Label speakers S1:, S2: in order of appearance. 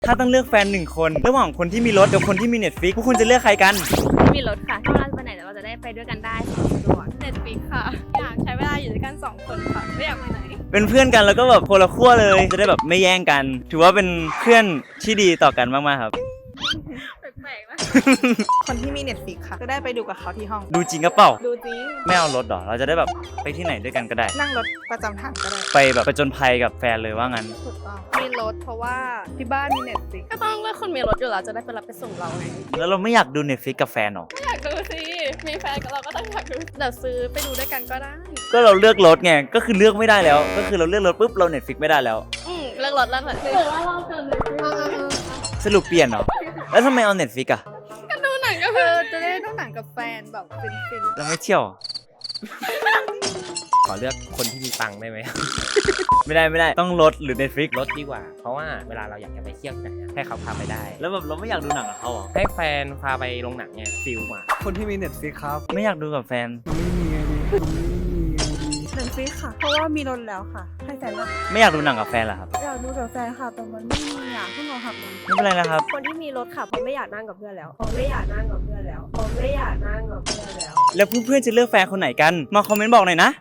S1: ถ้าต้องเลือกแฟน1คนระหว่างคนที่มีรถกับคนที่มี Netflix พวกคุณจะเลือกใครกัน
S2: มีรถค่ะถ้าเราไปไหนเราจะได้ไปด้วยกันได้สะดวก
S3: Netflix ค่ะอยากใช้เวลาอยู่ด้วยกัน2คนค่ะไม่อยากไปไหน
S1: เป็นเพื่อนกันแล้วก็แบบคนละขั้วเลยจะได้แบบไม่แย่งกัน ถือว่าเป็นเพื่อนที่ดีต่อกันมากๆครับ
S3: แปลกๆนะ
S4: คนที่มี Netflix ค่ะจะได้ไปดูกับเขาที่ห้อง
S1: ดูจริงก็เปล่า
S4: ดูจริง
S1: ไม่เอารถหรอเราจะได้แบบไปที่ไหนด้วยกันก็ได้
S4: นั่งรถประจำทางก็ได้
S1: ไปแบบไปจนภัยกับแฟนเลยว่างั้น
S4: ถูกต้องมีรถเพราะว่าที่บ้านมี Netflix
S3: ก็ต้องเลือกคนมีรถอยู่แล้วจะได้ไปรับไปส่งเราไง
S1: แล้วเราไม่อยากดู Netflix กับแฟนหรอ
S3: อยากดูสิมีแฟนกับเราก็ต้องอยากดูเดี๋ยวซื้อไปดูด้วยกันก็ได้
S1: ก็เราเลือกรถไงก็คือเลือกไม่ได้แล้ว ก็คือเราเลือกรถปุ๊บเรา Netflix ไม่ได้แล้ว
S3: เลือกรถแล้วเหรอหรือว่าเราเกินเลย
S1: สรุปเปลี่ยนเหรอแล้วทำไมเอา Netflix อ่ะ
S3: ก็ดูหนังก็
S4: จะได้ดูหนังกับแฟนแบบฟิน
S1: เราไม่เที่ยวเหรอ
S5: ขอเลือกคนที่มีตังค์ได้ไหม
S1: ไม่ได้ต้องรถหรือ Netflix
S5: รถดีกว่า เพราะว่าเวลาเราอยากจะไปเที่ยวไหนอะให้เขาพาไปได้
S1: แล้วแบบเราไม่อยากดูหนังกับเขาเหรอ
S5: ให้แฟนพาไปโรงหนังเนี่ยฟิลมา
S6: คนที่มี Netflix ครับ
S1: ไม่อยากดูกับแฟน
S6: ไม่มีไงดีมันไม่มีไงดี
S4: ๆ Netflix ค่ะ เพราะว่ามีรถแล้วค่ะ ให้แฟนว่า
S1: ไม่อยากดูหนังกับแฟนเหรอครับ
S4: อยากดูกับแฟนค่ะแต่มันไม่มีอ่ะเพิ่งเอาหักมา
S1: ไม่เป็นไรนะครับ
S2: คนที่มีรถค่ะเพราะไม่อยากนั่งกับเพื่อนแล้วผมไม่อยากนั่งกับเพื่อนแล้วผมไม่อยากนั่งกับเพื่อนแล้ว
S1: แล้วเพื่อนๆจะเลือกแฟนคนไหนกันมาคอมเมนต์บอกหน่อยนะ